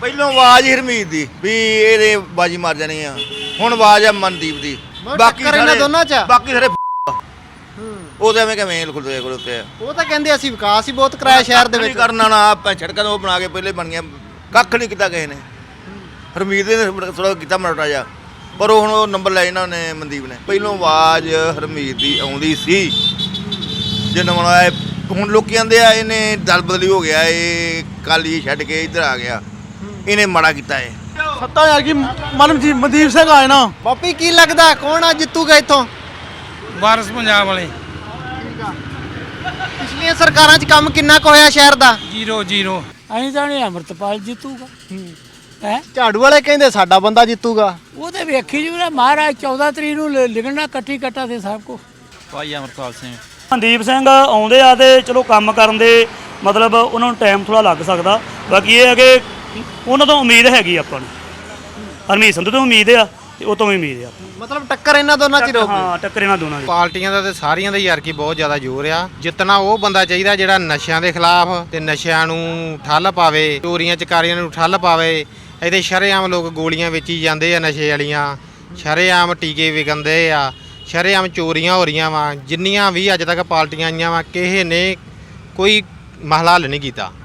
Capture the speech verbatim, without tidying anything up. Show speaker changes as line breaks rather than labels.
ਪਹਿਲੋਂ ਆਵਾਜ਼ ਹੀ ਹਰਮੀਤ ਦੀ ਵੀ ਇਹਦੇ ਬਾਜੀ ਮਾਰ ਜਾਣੀ ਆ, ਹੁਣ ਆਵਾਜ਼ ਆ ਮਨਦੀਪ ਦੀ। ਬਾਕੀ
ਇਹਨਾਂ ਦੋਨਾਂ ਚ
ਬਾਕੀ ਸਾਰੇ ਉਹ ਤਾਂ ਐਵੇਂ ਕਿਵੇਂ ਖੁੱਲਦੇ ਖੁੱਲਦੇ ਆ।
ਉਹ ਤਾਂ ਕਹਿੰਦੇ ਅਸੀਂ ਵਿਕਾਸ ਹੀ ਬਹੁਤ ਕਰਾਇਆ ਸ਼ਹਿਰ ਦੇ ਵਿੱਚ।
ਕਰਨਾ ਨਾ ਆਪਾਂ ਸੜਕਾਂ ਉਹ ਬਣਾ ਕੇ ਪਹਿਲੇ ਬਣ ਗਿਆ, ਕੱਖ ਨਹੀਂ ਕੀਤਾ ਕਿਸੇ ਨੇ। ਹਰਮੀਤ ਨੇ ਥੋੜਾ ਕੀਤਾ ਮਰਟਾ ਜਾ, ਪਰ ਉਹ ਹੁਣ ਉਹ ਨੰਬਰ ਲੈ ਇਹਨਾਂ ਨੇ ਮਨਦੀਪ ਨੇ। ਪਹਿਲੋਂ ਆਵਾਜ਼ ਹਰਮੀਤ ਦੀ ਆਉਂਦੀ ਸੀ, ਜੇ ਨਵਾਂ ਹੁਣ ਲੋਕੀ ਕਹਿੰਦੇ ਆ ਇਹਨੇ ਦਲ ਬਦਲੀ ਹੋ ਗਿਆ, ਇਹ ਕਾਲੀ ਛੱਡ ਕੇ ਇੱਧਰ ਆ ਗਿਆ, ਇਹਨੇ ਮਾੜਾ ਕੀਤਾ ਏ।
ਸੱਤਾ ਯਾਰ ਕੀ ਮਨਮ ਜੀ ਮਨਦੀਪ ਸਿੰਘ ਆਏ ਨਾ।
ਬਾਪੀ ਕੀ ਲੱਗਦਾ ਕੌਣ ਆ ਜਿੱਤੂਗਾ ਇੱਥੋਂ?
ਵਾਰਸ ਪੰਜਾਬ ਵਾਲੇ।
ਪਿਛਲੀਆਂ ਸਰਕਾਰਾਂ 'ਚ ਕੰਮ ਕਿੰਨਾ ਕੁ ਹੋਇਆ ਸ਼ਹਿਰ ਦਾ?
Zero zero.
ਅਸੀਂ ਤਾਂ ਨਹੀਂ ਅੰਮ੍ਰਿਤਪਾਲ ਜਿੱਤੂਗਾ ਹੈ।
ਝਾੜੂ ਵਾਲੇ ਕਹਿੰਦੇ ਸਾਡਾ ਬੰਦਾ ਜਿੱਤੂਗਾ।
ਉਹ ਤਾਂ ਵੇਖੀ ਜੀ ਮਹਾਰਾਜ ਚੌਦਾਂ ਤਰੀਕ ਨੂੰ ਲਿ- ਲਿਖਣਾ ਕੱਟੀ ਕੱਟਾ ਤੇ ਸਭ ਕੁਛ।
ਭਾਈ ਅਮਰਪਾਲ ਸਿੰਘ।
ਮਨਦੀਪ ਸਿੰਘ ਆਉਂਦੇ ਆ ਤੇ ਚਲੋ ਕੰਮ ਕਰਨ ਦੇ ਮਤਲਬ ਉਹਨਾਂ ਨੂੰ ਟਾਈਮ ਥੋੜਾ ਲੱਗ ਸਕਦਾ, ਬਾਕੀ ਇਹ ਹੈ ਕਿ ਉਹਨਾਂ ਤੋਂ ਉਮੀਦ ਹੈਗੀ ਆਪਾਂ ਨੂੰ। ਹਰਮੀਤ ਸੰਧੂ ਤੋਂ ਉਮੀਦ ਆ ਤੇ ਉਹ ਤੋਂ ਵੀ ਉਮੀਦ ਆ।
ਮਤਲਬ ਟੱਕਰ ਇਹਨਾਂ ਦੋਨਾਂ 'ਚ ਰਹੂਗੀ।
ਹਾਂ, ਟੱਕਰ ਇਹਨਾਂ ਦੋਨਾਂ ਦੀ।
ਪਾਰਟੀਆਂ ਦਾ ਤੇ ਸਾਰੀਆਂ ਦਾ ਯਾਰ ਕੀ ਬਹੁਤ ਜ਼ਿਆਦਾ ਜ਼ੋਰ ਆ। ਜਿੱਤਣਾ ਉਹ ਬੰਦਾ ਚਾਹੀਦਾ ਜਿਹੜਾ ਨਸ਼ਿਆਂ ਦੇ ਖਿਲਾਫ ਤੇ ਨਸ਼ਿਆਂ ਨੂੰ ਠੱਲ ਪਾਵੇ, ਚੋਰੀਆਂ ਚਕਾਰੀਆਂ ਨੂੰ ਠੱਲ ਪਾਵੇ। ਇਹਦੇ ਸ਼ਰੇਆਮ ਲੋਕ ਗੋਲੀਆਂ ਵੇਚੀ ਜਾਂਦੇ ਆ ਨਸ਼ੇ ਵਾਲੀਆਂ, ਸ਼ਰੇਆਮ ਟੀਕੇ ਵਿਕਣਦੇ ਆ, ਸ਼ਰੇਆਮ ਚੋਰੀਆਂ ਹੋ ਰਹੀਆਂ ਵਾ। ਜਿੰਨੀਆਂ ਵੀ ਅੱਜ ਤੱਕ ਪਾਰਟੀਆਂ ਆਈਆਂ ਵਾ ਕਿਸੇ ਨੇ ਕੋਈ ਮਸਲਾ ਹੱਲ ਨਹੀਂ ਕੀਤਾ।